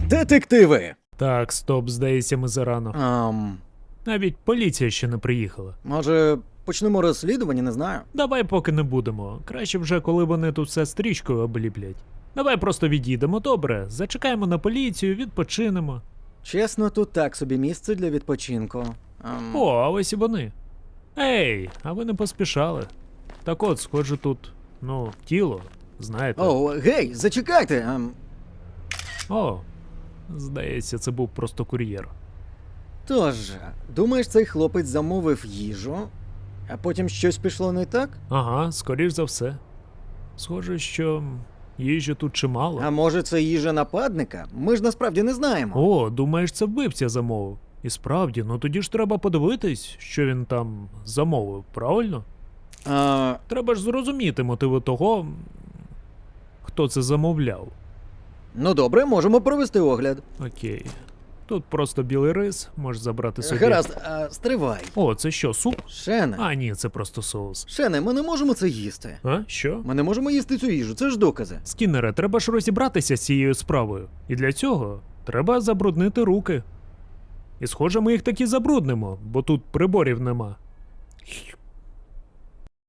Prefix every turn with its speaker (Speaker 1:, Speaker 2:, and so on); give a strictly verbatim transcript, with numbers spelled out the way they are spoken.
Speaker 1: Детективи!
Speaker 2: Так, стоп, здається, ми зарано.
Speaker 1: Ам,
Speaker 2: Навіть поліція ще не приїхала.
Speaker 1: може, почнемо розслідування, не знаю.
Speaker 2: Давай поки не будемо. Краще вже, коли вони тут все стрічкою обліплять. Давай просто відійдемо, добре? Зачекаємо на поліцію, відпочинемо.
Speaker 1: Чесно, тут так собі місце для відпочинку. Ам,
Speaker 2: О, а ось і вони. Ей, а ви не поспішали. Так от, схоже, тут, ну, тіло, знаєте.
Speaker 1: О, гей, зачекайте! Ам,
Speaker 2: О, здається, це був просто кур'єр.
Speaker 1: тож, думаєш, цей хлопець замовив їжу, а потім щось пішло не так?
Speaker 2: Ага, скоріш за все. Схоже, що їжі тут чимало.
Speaker 1: А може, це їжа нападника? Ми ж насправді не знаємо.
Speaker 2: О, думаєш, це вбивця замовив? І справді, ну тоді ж треба подивитись, що він там замовив, правильно?
Speaker 1: А,
Speaker 2: Треба ж зрозуміти мотиви того, м, хто це замовляв.
Speaker 1: ну добре, можемо провести огляд.
Speaker 2: Окей. Тут просто білий рис, можеш забрати собі.
Speaker 1: Гаразд, а, стривай.
Speaker 2: О, це що, суп?
Speaker 1: Шене,
Speaker 2: А, ні, це просто соус.
Speaker 1: Шене, ми не можемо це їсти.
Speaker 2: А, що?
Speaker 1: Ми не можемо їсти цю їжу, це ж докази.
Speaker 2: Скіннере, треба ж розібратися з цією справою. І для цього треба забруднити руки. І схоже, ми їх таки забруднимо, бо тут приборів нема.